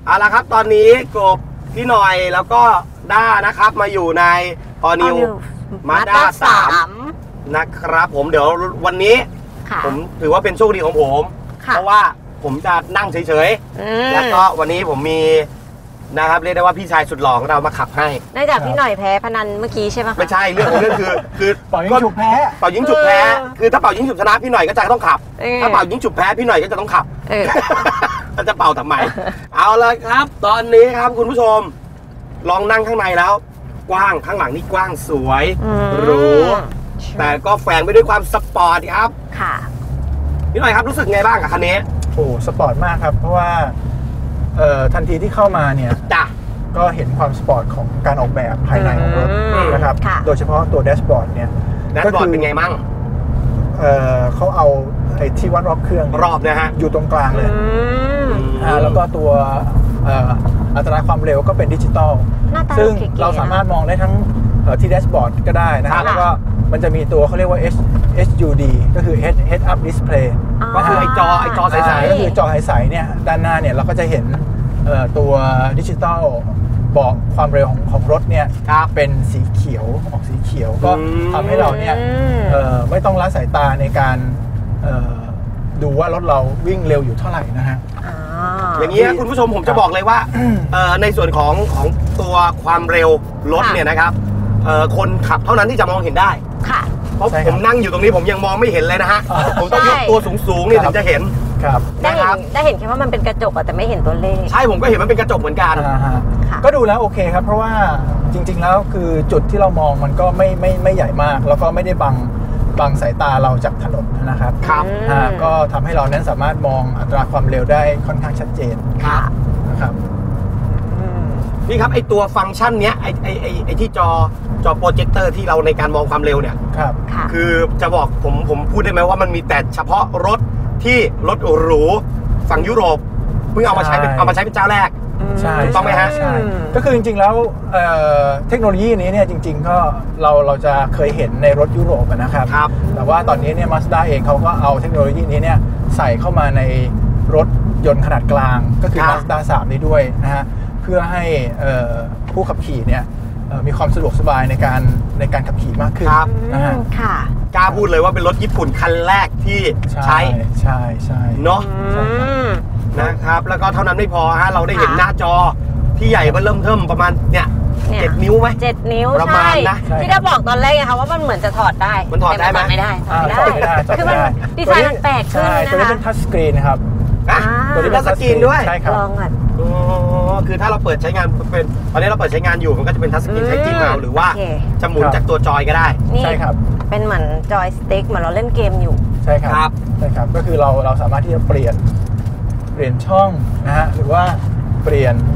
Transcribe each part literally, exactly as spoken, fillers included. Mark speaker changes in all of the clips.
Speaker 1: เอาละครับตอนนี้กบพี่หน่อยแล้วก็ด้านะครับมาอยู่ในออนิวมาด้าสามนะครับผมเดี๋ยววันนี้ผมถือว่าเป็นโชคดีของผมเพราะว่าผมจะนั่งเฉยๆแล้วก็วันนี้ผมมีนะครับเรียกได้ว่าพี่ชายสุดหล่อของเรามาขับให้
Speaker 2: นอกจากพี่หน่อยแพ้พนันเมื่อกี้ใช่ไหม
Speaker 1: ไม่ใช่เรื่องของเรื่องคือคือ
Speaker 3: เป่ายิงฉุบแพ้
Speaker 1: เป่ายิงฉุบแพ้คือถ้าเป่ายิงฉุบชนะพี่หน่อยก็จะต้องขับถ้าเป่ายิงฉุบแพ้พี่หน่อยก็จะต้องขับจะเป่าทำไมเอาเลยครับตอนนี้ครับคุณผู้ชมลองนั่งข้างในแล้วกว้างข้างหลังนี่กว้างสวยหรูแต่ก็แฝงไปด้วยความสปอร์ตครับค่ะพี่หน่อยครับรู้สึกไงบ้างกับคันนี้
Speaker 3: โอ้สปอร์ตมากครับเพราะว่าเอ่อทันทีที่เข้ามาเนี่ย
Speaker 1: จ้ะ
Speaker 3: ก็เห็นความสปอร์ตของการออกแบบภายในของรถนะครับโดยเฉพาะตัวแดชบอร์ดเนี่ย
Speaker 1: แดชบอร์ดเป็นไงมั่ง
Speaker 3: เอ่อเขาเอาไอ้ที่วัดรอบเครื่อง
Speaker 1: รอบนะฮะ
Speaker 3: อยู่ตรงกลางเลยอ่าแล้วก็ตัวเอ่ออัตราความเร็วก็เป็นดิจิตอลซึ่งเราสามารถมองได้ทั้งที่แดชบอร์ดก็ได้นะครับแล้วก็มันจะมีตัวเขาเรียกว่า เอช ยู ดี ก็คือ Head Head Up Display
Speaker 1: ก็คือไอจอไอจอใส
Speaker 3: ๆก็คือจอใสๆเนี่ยด้านหน้าเนี่ยเราก็จะเห็นตัวดิจิตอลบอกความเร็วของของรถเนี่ยเป็นสีเขียวออกสีเขียวก็ทำให้เราเนี่ยไม่ต้องละสายตาในการดูว่ารถเราวิ่งเร็วอยู่เท่าไหร่นะฮะ
Speaker 1: อย่างนี้คุณผู้ชมผมจะบอกเลยว่าในส่วนของของตัวความเร็วรถเนี่ยนะครับคนขับเท่านั้นที่จะมองเห็นได้เพราะผมนั่งอยู่ตรงนี้ผมยังมองไม่เห็นเลยนะฮะผมต้องยกตัวสูงๆนี่ถึงจะเห็น
Speaker 3: ครับ
Speaker 2: ได้เห็นได้เห็นแค่ว่ามันเป็นกระจกแต่ไม่เห็นตัวเลข
Speaker 1: ใช่ผมก็เห็นมันเป็นกระจกเหมือนกัน
Speaker 3: ก็ดูแล้วโอเคครับเพราะว่าจริงๆแล้วคือจุดที่เรามองมันก็ไม่ไม่ไม่ใหญ่มากแล้วก็ไม่ได้บังบังสายตาเราจากถนนนะครับ
Speaker 1: ครับ
Speaker 3: ก็ทำให้เรานั้นสามารถมองอัตราความเร็วได้ค่อนข้างชัดเจนนะครับ
Speaker 1: นี่ครับไอตัวฟังก์ชันเนี้ยไอไอไอไอที่จอจอโปรเจคเตอร์ที่เราในการมองความเร็วเนี่ย
Speaker 3: ครับ
Speaker 1: คือจะบอกผมผมพูดได้ไหมว่ามันมีแต่เฉพาะรถที่รถหรูฝั่งยุโรปเพิ่งเอามาใช้เป็นเอามาใช้เป็นเจ้าแรก
Speaker 3: ใช่
Speaker 1: ถูกต้องไหมฮะ
Speaker 3: ใช่ก็คือจริงๆแล้วเทคโนโลยีนี้เนี่ยจริงๆก็เราเราจะเคยเห็นในรถยุโรปนะครับแต่ว่าตอนนี้เนี่ย Mazda เองเขาก็เอาเทคโนโลยีนี้เนี่ยใส่เข้ามาในรถยนต์ขนาดกลางก็คือ Mazda สามนี้ด้วยนะฮะเพื่อให้ผู้ขับขี่เนี่ยมีความสะดวกสบายในการในการขับขี่มากขึ้นนะฮะ
Speaker 1: กล้าพูดเลยว่าเป็นรถญี่ปุ่นคันแรกที่ใช้
Speaker 3: ใช่ใช่
Speaker 1: เนาะนะครับแล้วก็เท่านั้นไม่พอฮะเราได้เห็นหน้าจอที่ใหญ่ก็เริ่มเทิมประมาณเนี่ยเจ็ดนิ้วไหม
Speaker 2: เจ็ดนิ้ว
Speaker 1: ประมาณนะ
Speaker 2: ที่ได้บอกตอนแรกไงคะว่ามันเหมือนจะถอดได้
Speaker 1: มันถอดได้ไหม
Speaker 2: ไม่ได้
Speaker 3: ถอดไม่ได้
Speaker 2: คือมันดีไซน์มันแปลกขึ้นนะคะ
Speaker 3: ตัวนี้เป็นทัชสกรีนนะครับ
Speaker 1: ตัวนี้เป็นทัชสกรีนด้วย
Speaker 3: ใช่ครับ
Speaker 2: ลองอ่ะ
Speaker 1: อ๋อคือถ้าเราเปิดใช้งานเป็นตอนนี้เราเปิดใช้งานอยู่มันก็จะเป็นทัชสกรีนใช้จิ้มเอาหรือว่าจะหมุนจากตัวจอยก็ได้
Speaker 3: ใช่ครับ
Speaker 2: เป็นเหมือนจอยสติ๊กเหมือนเราเล่นเกมอยู่
Speaker 3: ใช่ครับใช่ครับก็คือเราเราสามารถที่จะเปลี่ยนเปลี่ยนช่องนะฮะหรือว่าเปลี่ยน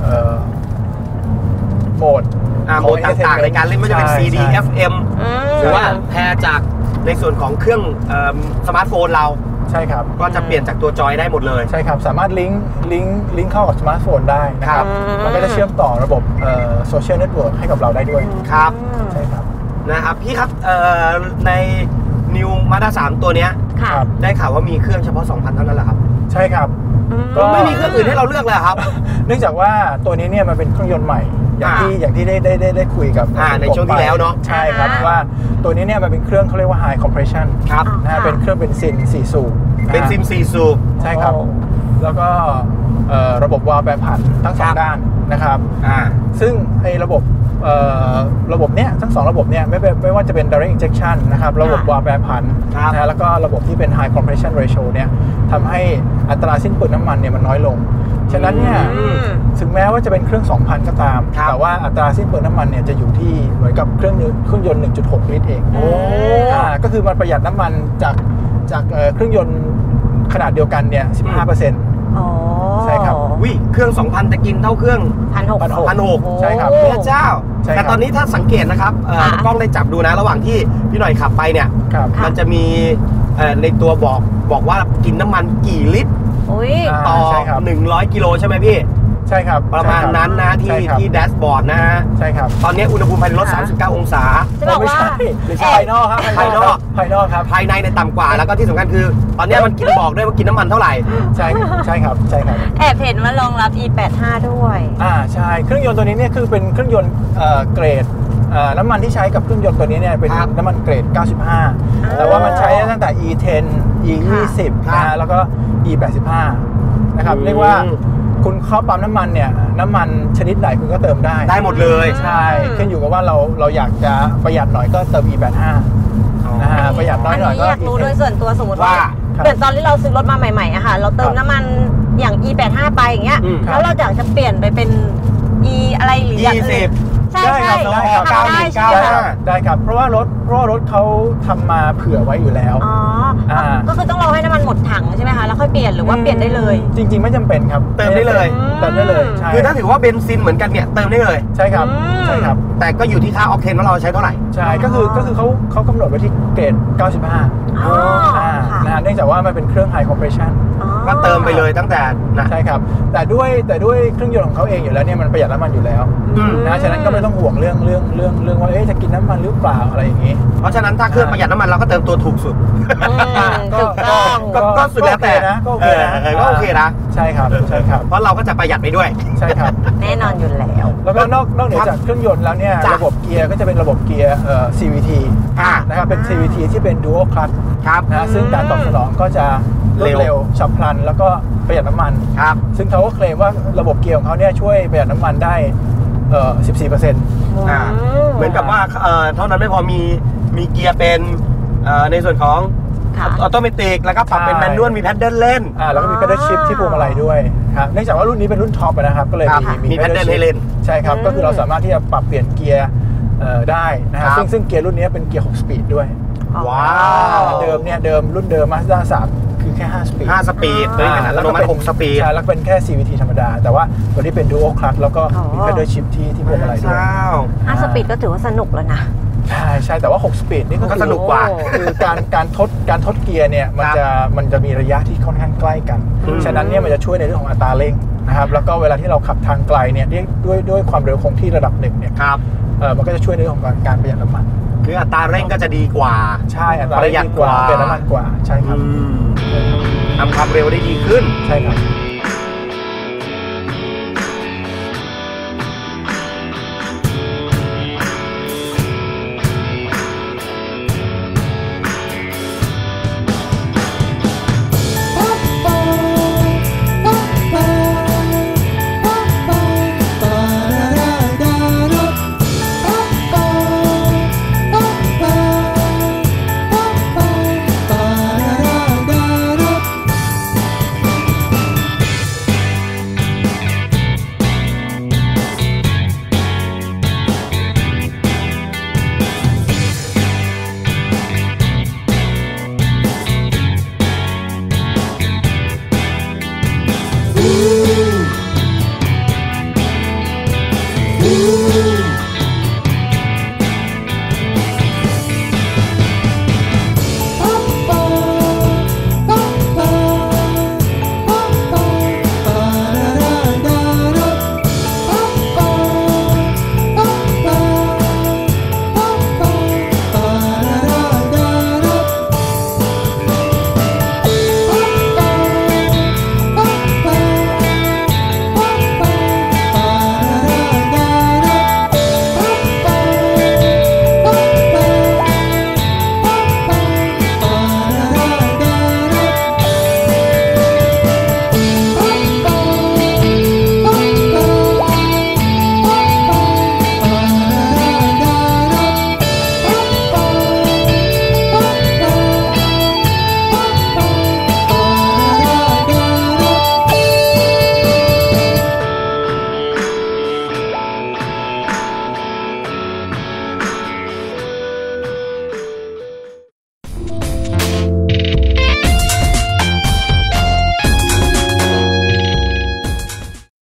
Speaker 3: โหมด
Speaker 1: โหมดต่างๆในการเล่นไม่ว่าจะเป็น ซี ดี เอฟ เอ็ม หรือว่าแพร์จากในส่วนของเครื่องสมาร์ทโฟนเรา
Speaker 3: ใช่ครับ
Speaker 1: ก็จะเปลี่ยนจากตัวจอยได้หมดเลย
Speaker 3: ใช่ครับสามารถลิงก์ลิงก์ลิงก์เข้ากับสมาร์ทโฟนได้นะครับมันก็จะเชื่อมต่อระบบโซเชียลเน็ตเวิร์กให้กับเราได้ด้วย
Speaker 1: ครับ
Speaker 3: ใช่ครับ
Speaker 1: นะครับพี่ครับใน New Mazda สามตัวเนี้ยได้ข่าวว่ามีเครื่องเฉพาะ สองพัน เท่านั้นแหละครับ
Speaker 3: ใช่ครับ
Speaker 1: ก็ไม่มีเครื่องอื่นให้เราเลือกเลยครับ
Speaker 3: เนื่องจากว่าตัวนี้เนี่ยมันเป็นเครื่องยนต์ใหม่อย่างที่อย่างที่ได้ได้ได้ได้คุยกับ
Speaker 1: ในช่วงที่แล้วเนาะ
Speaker 3: ใช่ครับว่าตัวนี้เนี่ยมันเป็นเครื่องเขาเรียกว่า High Compression
Speaker 1: ครับ
Speaker 3: นะฮะเป็นเครื่องเบนซินสี่สูบ
Speaker 1: เป็นซิมสี่สูบ
Speaker 3: ใช่ครับแล้วก็ระบบวาล์วแปรผันทั้งสองด้านนะครับซึ่งไอ้ระบบระบบเนี้ยทั้งสองระบบเนี้ยไม่ไม่ว่าจะเป็น direct injection นะครับระบบวาล์วแปรผันนะแล้วก็ระบบที่เป็น high compression ratio เนี่ยทำให้อัตราสิ้นเปลืองน้ำมันเนี่ยมันน้อยลงฉะนั้นเนี่ยถึงแม้ว่าจะเป็นเครื่อง สองพัน ก็ตามแต่ว่าอัตราสิ้นเปลืองน้ำมันเนี่ยจะอยู่ที่เหมือนกับเครื่องเครื่องยนต์ หนึ่งจุดหก ลิตรเองอ่าก็คือมันประหยัดน้ำมันจากจากเครื่องยนต์ขนาดเดียวกันเนี่ย สิบห้าเปอร์เซ็นต์
Speaker 2: อ๋อ
Speaker 3: ใช่ครับ
Speaker 1: วิเครื่อง สองพัน แต่กินเท่าเครื่อง
Speaker 2: หนึ่งพันหกร้อย
Speaker 1: หนึ่งพันหกร้อย
Speaker 3: ใช่ครับ
Speaker 1: พระเจ้าแต่ตอนนี้ถ้าสังเกตนะครับกล้องได้จับดูนะระหว่างที่พี่หน่อยขับไปเนี่ยมันจะมีในตัวบอกบอกว่ากินน้ำมันกี่ลิตรต่อหนึ่งร้อยกิโลใช่ไหมพี่
Speaker 3: ใช่ครับ
Speaker 1: ประมาณนั้นนะที่ที่แดชบอร์ดนะฮะ
Speaker 3: ใช่ครับ
Speaker 1: ตอนนี้อุณหภูมิภายในรถสามสิบเก้าองศา
Speaker 2: จะบอกว่า
Speaker 3: ไม่ใช่ภายนอกครับ
Speaker 1: ภายนอก
Speaker 3: ภายนอกครับ
Speaker 1: ภายในในต่ำกว่าแล้วก็ที่สำคัญคือ ตอนนี้มันกินบอกด้วยว่ากินน้ำมันเท่าไหร่
Speaker 3: ใช่ใช่ครับใช่ครับ
Speaker 2: แอบเห็นว่ารองรับ อี แปดสิบห้า ด้วย
Speaker 3: อ่าใช่เครื่องยนต์ตัวนี้เนี่ยคือเป็นเครื่องยนต์เกรดน้ำมันที่ใช้กับเครื่องยนต์ตัวนี้เนี่ยเป็นน้ำมันเกรดเก้าสิบห้าแต่ว่ามันใช้ตั้งแต่ อี สิบ อี ยี่สิบ นะแล้วก็ อี แปดสิบห้า นะครับเรียกว่าคุณเข้าปั๊มน้ำมันเนี่ยน้ำมันชนิดไหนคุณก็เติมได้
Speaker 1: ได้หมดเลย
Speaker 3: ใช่ขึ้นอยู่กับว่าเราเราอยากจะประหยัดหน่อยก็เติม อี แปดสิบห้า นะฮะประหยัดน้อยหน่อยก็
Speaker 2: อยากรู้โดยส่วนตัวสมมติว่าเกิดตอนที่เราซื้อรถมาใหม่ๆอะค่ะเราเติมน้ำมันอย่าง อี แปดสิบห้า ไปอย่างเงี้ยแล้วเราอยากจะเปลี่ยนไปเป็น E อะไรหรืออย่างอื่นใช่ใช่
Speaker 3: ได้ครับได้ใช่ได้ครับเพราะว่ารถเพราะว่ารถเขาทำมาเผื่อไว้อยู่แล้ว
Speaker 2: อ๋อก็คือต้องรอให้น้ำมันหมดถังใช่ไหมคะแล้วค่อยเปลี่ยนหรือว่าเปลี่ยนได้เลย
Speaker 3: จริงๆไม่จำเป็นครับ
Speaker 1: เติมได้เลย
Speaker 3: เติมได้เลย
Speaker 1: คือถ้าถือว่าเบนซินเหมือนกันเนี่ยเติมได้เลย
Speaker 3: ใช่ครับใช่ครับ
Speaker 1: แต่ก็อยู่ที่ค่าออกเทนว่าเราใช้เท่าไหร่
Speaker 3: ใช่ก็คือก็คือเขาเขากำหนดไว้ที่เกรดเก้าสิบห้า
Speaker 2: อ๋อ
Speaker 3: นะเนื่องจากว่ามันเป็นเครื่อง high compression
Speaker 1: ก็เติมไปเลยตั้งแต่นะ
Speaker 3: ใช่ครับแต่ด้วยแต่ด้วยเครื่องยนต์ของเขาเองอยู่แล้วเนี่ยมันประหยัดน้ำมันอยู่แล้วนะฉะนั้นก็ไม่ต้องห่วงเรื่องเรื่องเรื่องเรื่องว่าเอ๊ะจะกินน้ำมันหรือเปล่าอะไรอย่างนี้
Speaker 1: เพราะฉะนั้นถ้าเครื่องประหยัดน้ำมันเราก็เติมตัวถูกสุด
Speaker 2: ถูกต้อง
Speaker 1: ก็สุดแล้วแต่
Speaker 3: นะก็โอเคนะ
Speaker 1: ก็โอเคนะ
Speaker 3: ใช่ครับใช่ครับ
Speaker 1: เพราะเราก็จะประหยัดไปด้วย
Speaker 3: ใช่ครับ
Speaker 2: แน่นอนอยู่แล้ว
Speaker 3: แล้วก็นอกนอกเหนือจากเครื่องยนต์แล้วเนี่ยระบบเกียร์ก็จะเป็นระบบเกียร์เอ่อ ซี วี ที นะครับเป็น ซี วี ที ที่เป็น dual clutch
Speaker 1: ครับ
Speaker 3: นะซึ่งการตอบสนองก็จะรวดเร็วฉับพลันแล้วก็ประหยัดน้ำมัน
Speaker 1: ครับ
Speaker 3: ซึ่งเขาก็เคลมว่าระบบเกียร์ของเขาเนี่ยช่วยประหยัดน้ำมันได้เอ่อ สิบสี่เปอร์เซ็นต์
Speaker 1: อ่าเหมือนกับว่าเอ่อเท่านั้นไม่พอมีมีเกียร์เป็นเอ่อในส่วนของออโตเมติกแล้วก็ปรับเป็นแมนนวลมีแพดเดิลเล่น
Speaker 3: อ่าแล้วก็มีแพดเดิลชิฟที่พวงมาลัยด้วยครับเนื่องจากว่ารุ่นนี้เป็นรุ่นท็อปนะครับก็เลยมี
Speaker 1: มีแพดเดิลให้เล่น
Speaker 3: ใช่ครับก็คือเราสามารถที่จะปรับเปลี่ยนเกียร์ได้นะครับซึ่งซึ่งเกียร์รุ่นนี้เป็นเกียร์หกสปีดด้วย
Speaker 1: ว้าว
Speaker 3: เดิมเนี่ยเดิมรุ่นเดิม Mazda สามคือแค่ห้าสปีด
Speaker 1: ห้าสปีดเลยนะแล้วมันหกสปีด
Speaker 3: ใช่แล้วเป็นแค่ ซี วี ที ธรรมดาแต่ว่าตัวที่เป็น Dual Clutch แล้วก็มีแพดเดิลชิฟที่ที่พวงมาลัยด้วย
Speaker 2: ห้าสปีดก็ถือว่าสนุกแล้วนะ
Speaker 3: ใช่ใช่แต่ว่าหกสปีดนี่ก็
Speaker 1: สนุกกว่า
Speaker 3: คือการการทดการทดเกียร์เนี่ยมันจะมันจะมีระยะที่ค่อนข้างใกล้กันฉะนั้นเนี่ยมันจะช่วยในเรื่องของอัตราเร่งนะครับแล้วก็เวลาที่เราขับทางไกลเนี่ยด้วยด้วยความเร็วคงที่ระดับหนึ่งเนี่ย
Speaker 1: ครับ
Speaker 3: เออมันก็จะช่วยในเรื่องของการประหยัดน้ำมัน
Speaker 1: คืออัตราเร่งก็จะดีกว่า
Speaker 3: ใช่อัตราเร่งดีกว่าประหยัดน้ำมันกว่าใช่ครับ
Speaker 1: ทำความเร็วได้ดีขึ้น
Speaker 3: ใช่ครับ
Speaker 4: Ooh.